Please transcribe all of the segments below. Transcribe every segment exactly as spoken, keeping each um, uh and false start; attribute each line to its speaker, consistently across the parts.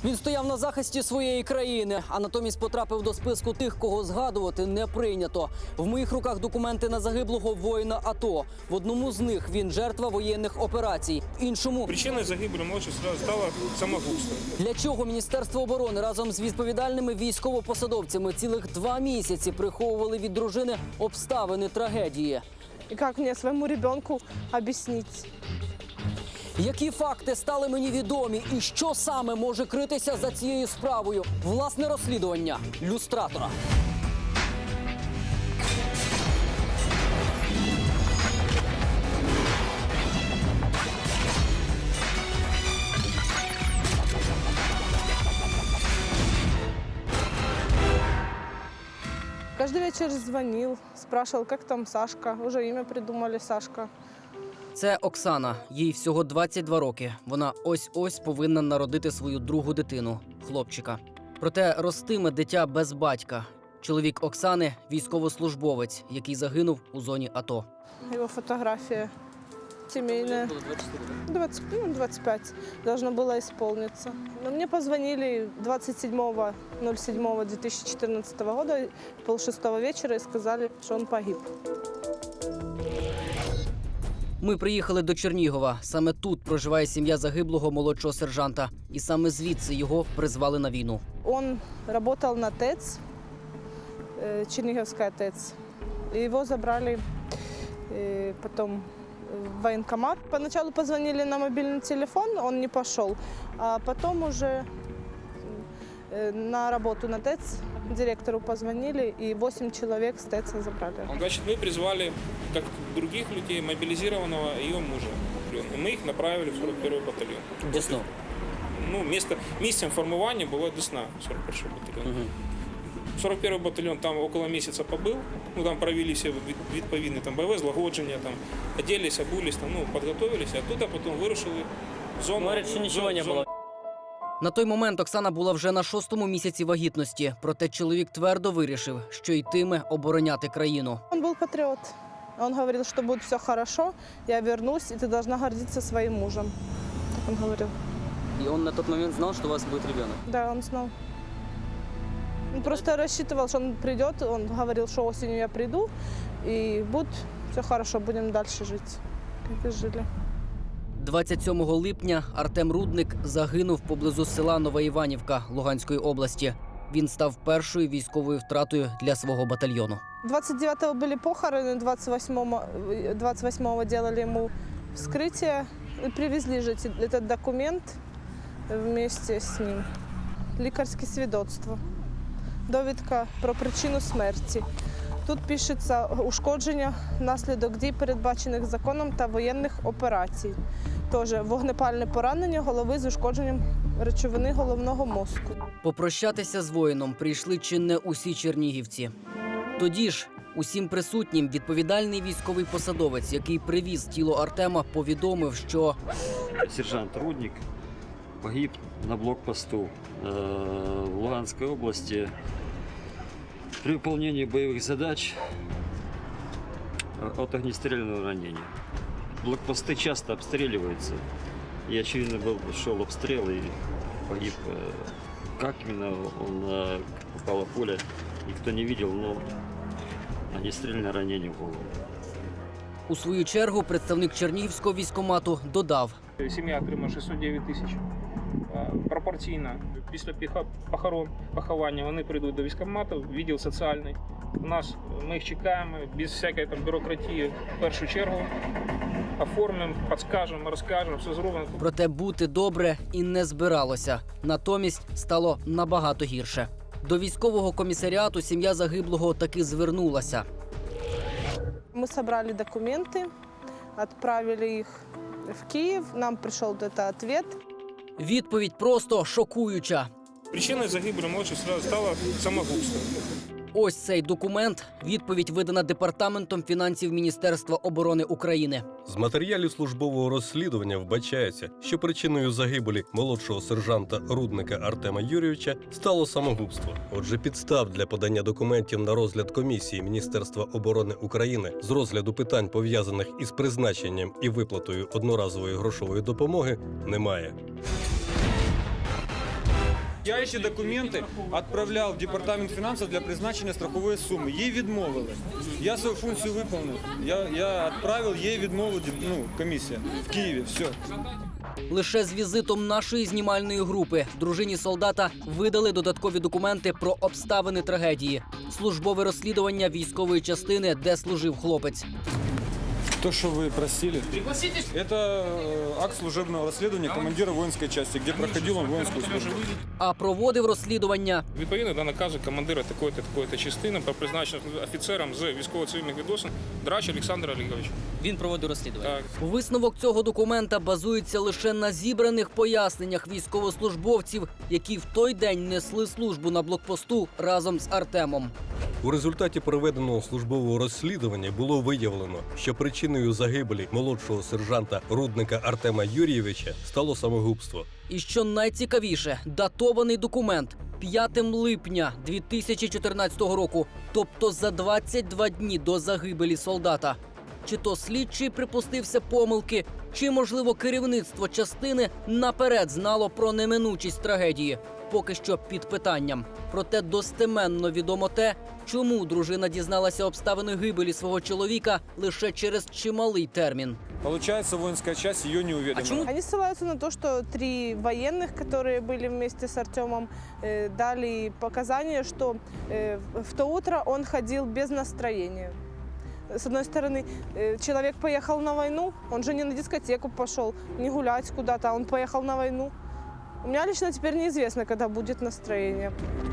Speaker 1: Він стояв на захисті своєї країни, а натомість потрапив до списку тих, кого згадувати не прийнято. В моїх руках документи на загиблого воїна АТО. В одному з них він жертва воєнних операцій, в іншому...
Speaker 2: Причиною загибелі молодшого стало самогубство.
Speaker 1: Для чого Міністерство оборони разом з відповідальними військовопосадовцями цілих два місяці приховували від дружини обставини трагедії?
Speaker 3: І як мені своєму ребенку об'яснити?
Speaker 1: Які факти стали мені відомі і що саме може критися за цією справою? Власне розслідування люстратора.
Speaker 3: Каждый вечер звонил, спрашивал, как там Сашка. Уже имя придумали Сашка.
Speaker 1: Це Оксана. Їй всього двадцять два роки. Вона ось-ось повинна народити свою другу дитину – хлопчика. Проте ростиме дитя без батька. Чоловік Оксани – військовослужбовець, який загинув у зоні АТО.
Speaker 3: Его фотография семейная. двадцать, ну, двадцать пять должно было исполниться. Но мне позвонили двадцать седьмого ноль седьмого две тысячи четырнадцатого года, полшестого вечера, и сказали, что он погиб.
Speaker 1: Ми приїхали до Чернігова. Саме тут проживає сім'я загиблого молодшого сержанта. І саме звідси його призвали на війну.
Speaker 3: Он работал на ТЭЦ, э, Черниговская ТЭЦ. И его забрали э, потом в военкомат. Поначалу позвонили на мобильный телефон, он не пошел. А потом уже э, на работу на ТЭЦ директору позвонили, и восемь человек с ТЭЦа забрали.
Speaker 2: Значит, мы призвали, как других людей, мобилизированного ее мужа. И мы их направили в сорок первый батальон.
Speaker 1: Десну.
Speaker 2: Ну, место, местом формування було Десна, сорок перший батальйон. Угу. сорок первый батальйон там около місяця побив. Ну, там провели всі відповідні там бойове злагодження, там оделись, обулись, там, ну, підготовилися, а тут а потім вирушили в зону.
Speaker 1: Говорять, що нічого не
Speaker 2: зону.
Speaker 1: було. На той момент Оксана була вже на шостому місяці вагітності. Проте чоловік твердо вирішив, що йтиме обороняти країну.
Speaker 3: Он был патриот. Он говорил, что будет все хорошо, я вернусь, и ты должна гордиться своим мужем. Так он говорил.
Speaker 1: І він на той момент знав, що у вас буде дитина?
Speaker 3: Да, он знал. Он просто рассчитывал, что он придет, он говорил, что осенью я приду, и будет все хорошо, будем дальше жить, как и жили.
Speaker 1: двадцять сьомого липня Артем Рудник загинув поблизу села Нова Іванівка Луганської області. Він став першою військовою втратою для свого батальйону.
Speaker 3: двадцать девятого были похороны, двадцать восьмого, двадцать восьмого делали ему вскрытие и привезли же этот документ вместе с ним. Лікарське свідоцтво, довідка про причину смерті. Тут пишеться ушкодження внаслідок дій, передбачених законом та воєнних операцій. Тож вогнепальне поранення голови з ушкодженням речовини головного мозку.
Speaker 1: Попрощатися з воїном прийшли чи не усі чернігівці. Тоді ж усім присутнім відповідальний військовий посадовець, який привіз тіло Артема, повідомив, що
Speaker 4: сержант Рудник погиб на блокпосту в Луганской области при выполнении боевых задач от огнестрельного ранения. Блокпосты часто обстреливаются, и очевидно был, шел обстрел и погиб. Как именно он попало в поле, никто не видел, но огнестрельное ранение в голову.
Speaker 1: у свою чергу представник Чернігівського військкомату додав:
Speaker 2: Сім'я отримала шістсот дев'ять тисяч. Пропорційно після похорон, поховання вони прийдуть до військкомату, відділ соціальний. У нас ми їх чекаємо без всякої там бюрократії в першу чергу. Оформимо, підскажемо, розкажемо, все зробимо.
Speaker 1: Проте бути добре і не збиралося. Натомість стало набагато гірше. До військового комісаріату сім'я загиблого таки звернулася.
Speaker 3: Мы собрали документы, отправили их в Киев, нам пришел этот ответ.
Speaker 1: Відповідь просто шокуюча.
Speaker 2: Причиною загибелі молодшого стало самогубство.
Speaker 1: Ось цей документ – відповідь, видана Департаментом фінансів Міністерства оборони України.
Speaker 5: З матеріалів службового розслідування вбачається, що причиною загибелі молодшого сержанта Рудника Артема Юрійовича стало самогубство. Отже, підстав для подання документів на розгляд комісії Міністерства оборони України з розгляду питань, пов'язаних із призначенням і виплатою одноразової грошової допомоги, немає.
Speaker 6: Я эти документы отправлял в департамент финансов для призначення страхової суми. Їй відмовили. Я свою функцію виконав. Я, я відправив, їй відмовила ну, комісія в Києві. Все.
Speaker 1: Лише з візитом нашої знімальної групи дружині солдата видали додаткові документи про обставини трагедії, службове розслідування військової частини, де служив хлопець.
Speaker 6: То, что вы просили, это э, акт служебного расследования командира воинской части, где проходил он воинскую службу.
Speaker 1: А проводив розслідування
Speaker 2: Відповідно до наказу командира такої-то, такої-то частини про призначення офіцером з військово-цивільних відносин Драч Олександр Олегович.
Speaker 1: Він проводив розслідування.
Speaker 2: Так.
Speaker 1: Висновок цього документа базується лише на зібраних поясненнях військовослужбовців, які в той день несли службу на блокпосту разом з Артемом.
Speaker 5: У результаті проведеного службового розслідування було виявлено, що причиною загибелі молодшого сержанта Рудника Артема Юрійовича стало самогубство.
Speaker 1: І що найцікавіше, датований документ п'яте липня дві тисячі чотирнадцятого року, тобто за двадцять два дні до загибелі солдата. Чи то слідчий припустився помилки, чи, можливо, керівництво частини наперед знало про неминучість трагедії. Поки що під питанням. Проте достеменно відомо те, чому дружина дізналася обставини гибелі свого чоловіка лише через чималий термін.
Speaker 6: Получается, воинская часть ее не уведомила.
Speaker 3: Они ссылаются на то, что три военных, которые были вместе с Артемом, э, дали показания, что э, в то утро он ходил без настроения. С одной стороны, э, человек поехал на войну, он же не на дискотеку пошел, не гулять куда-то, а он поехал на войну. У меня лично теперь неизвестно, когда будет настроение.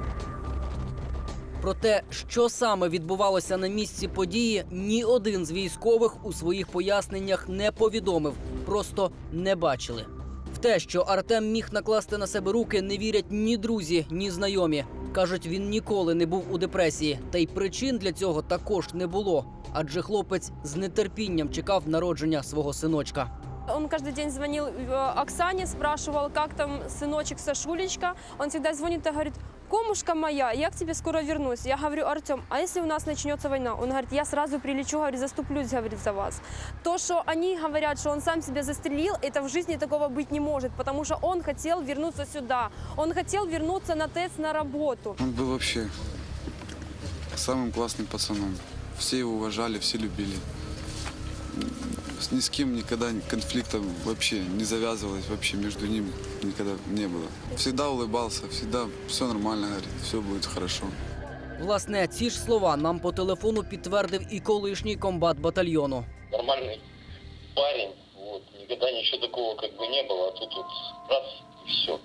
Speaker 1: Про те, що саме відбувалося на місці події, ні один з військових у своїх поясненнях не повідомив, просто не бачили. В те, що Артем міг накласти на себе руки, не вірять ні друзі, ні знайомі. Кажуть, він ніколи не був у депресії, та й причин для цього також не було, адже хлопець з нетерпінням чекав народження свого синочка.
Speaker 7: Он каждый день звонил э, Оксане, спрашивал, как там сыночек Сашулечка. Он всегда звонит и говорит: «Комушка моя, я к тебе скоро вернусь». Я говорю: «Артем, а если у нас начнется война?» Он говорит: «Я сразу прилечу, говорит, заступлюсь, говорит, за вас». То, что они говорят, что он сам себя застрелил, это в жизни такого быть не может, потому что он хотел вернуться сюда. Он хотел вернуться на ТЭЦ на работу.
Speaker 8: Он был вообще самым классным пацаном. Все его уважали, все любили. Ни с кем никогда конфликта вообще не завязывалось, вообще между ними никогда не было. Всегда улыбался, всегда все нормально, говорит, все будет хорошо.
Speaker 1: Власне, ці ж слова нам по телефону підтвердив і колишній комбат батальйону.
Speaker 9: Нормальный парень, вот, никогда ничего такого как бы не было, а тут вот раз и все.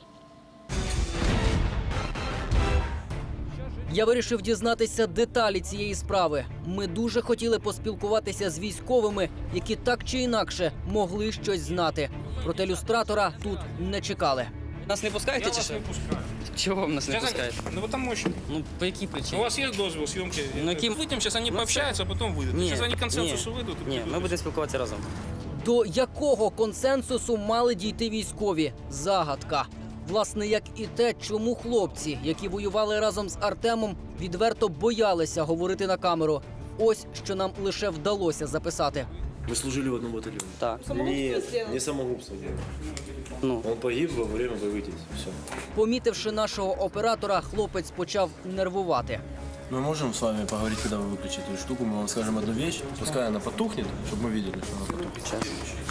Speaker 1: Я вирішив дізнатися деталі цієї справи. Ми дуже хотіли поспілкуватися з військовими, які так чи інакше могли щось знати. Проте люстратора тут не чекали.
Speaker 10: Нас не пускаєте
Speaker 2: Я
Speaker 10: чи
Speaker 2: вас
Speaker 10: що?
Speaker 2: не пускаю.
Speaker 10: Чого ви нас не
Speaker 2: Сейчас
Speaker 10: пускаєте?
Speaker 2: они- Ну потому что.
Speaker 10: Ну, по якій
Speaker 2: У
Speaker 10: причині?
Speaker 2: вас есть дозвол съемки?
Speaker 10: Ну, яким-
Speaker 2: Выйдем, сейчас они
Speaker 10: Ну,
Speaker 2: пообщаются, а потом выйдут.
Speaker 10: Ні,
Speaker 2: Сейчас они к консенсусу
Speaker 10: ні.
Speaker 2: выйдут. и
Speaker 10: Ні,
Speaker 2: придут.
Speaker 10: ми будемо спілкуватися разом.
Speaker 1: До якого консенсусу мали дійти військові? Загадка. Власне, як і те, чому хлопці, які воювали разом з Артемом, відверто боялися говорити на камеру. Ось що нам лише вдалося записати.
Speaker 11: Мы служили в одном батальоне.
Speaker 10: Так.
Speaker 11: Нет, не самогубство делал.
Speaker 10: Ну,
Speaker 11: Он погиб во время боевых действий. Все.
Speaker 1: Помітивши нашого оператора, хлопець почав нервувати.
Speaker 11: Мы можем с вами поговорить, когда вы выключите эту штуку. Мы вам скажем одну вещь. Пускай она потухнет, чтобы мы видели, что она потухнет.
Speaker 10: сейчас.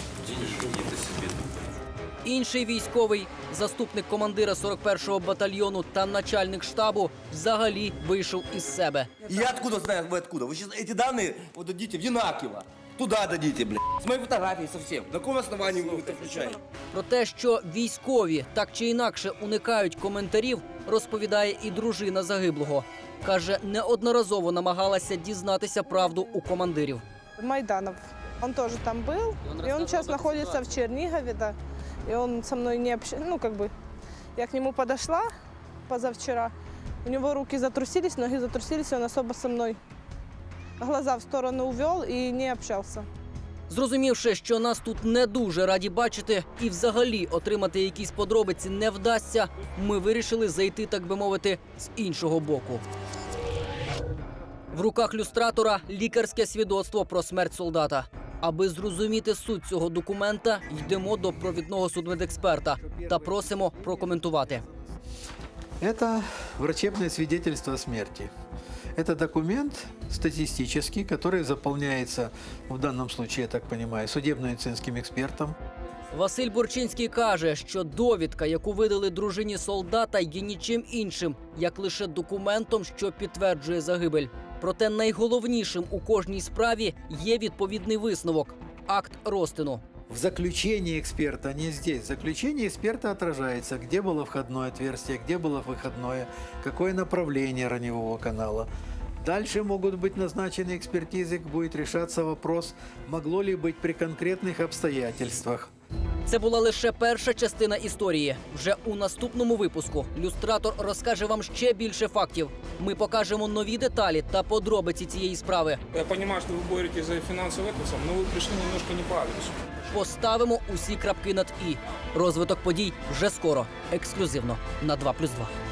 Speaker 1: Інший військовий, заступник командира сорок першого батальйону та начальник штабу, взагалі вийшов із себе.
Speaker 12: Я откуда знаю, вы откуда? Вы сейчас эти данные вот дадите в Янакиево. Туда дадите, блядь. С моей фотографией совсем. На каком основании вы это включаете?
Speaker 1: Про те, що військові так чи інакше уникають коментарів, розповідає і дружина загиблого. Каже, неодноразово намагалася дізнатися правду у командирів.
Speaker 3: Майданов. Он тоже там был, и он сейчас находится в Чернигове, да. И он со мной не общается, ну, как бы, я к нему подошла позавчера, у него руки затрусились, ноги затрусились, и он особо со мной глаза в сторону увел и не общался.
Speaker 1: Зрозумівши, що нас тут не дуже раді бачити і взагалі отримати якісь подробиці не вдасться, ми вирішили зайти, так би мовити, з іншого боку. В руках люстратора лікарське свідоцтво про смерть солдата. Аби зрозуміти суть цього документа, йдемо до провідного судмедексперта та просимо прокоментувати.
Speaker 13: Это врачебное свидетельство о смерти. Это документ статистический, который заполняется, в данном случае, я так понимаю, судебно-медицинским экспертом.
Speaker 1: Василь Бурчинський каже, що довідка, яку видали дружині солдата, є нічим іншим, як лише документом, що підтверджує загибель. Проте найголовнішим у кожній справі є відповідний висновок – акт розтину.
Speaker 13: В заключении эксперта, не здесь, в заключении эксперта отражается, где было входное отверстие, где было выходное, какое направление раневого канала. Дальше могут быть назначены экспертизы, будет решаться вопрос, могло ли быть при конкретных обстоятельствах.
Speaker 1: Це була лише перша частина історії. Вже у наступному випуску люстратор розкаже вам ще більше фактів. Ми покажемо нові деталі та подробиці цієї справи.
Speaker 2: Я розумію, що ви боретесь за фінансовий етос, але ви прийшли немножко не по адресу.
Speaker 1: Поставимо усі крапки над «і». Розвиток подій вже скоро, ексклюзивно на два плюс два.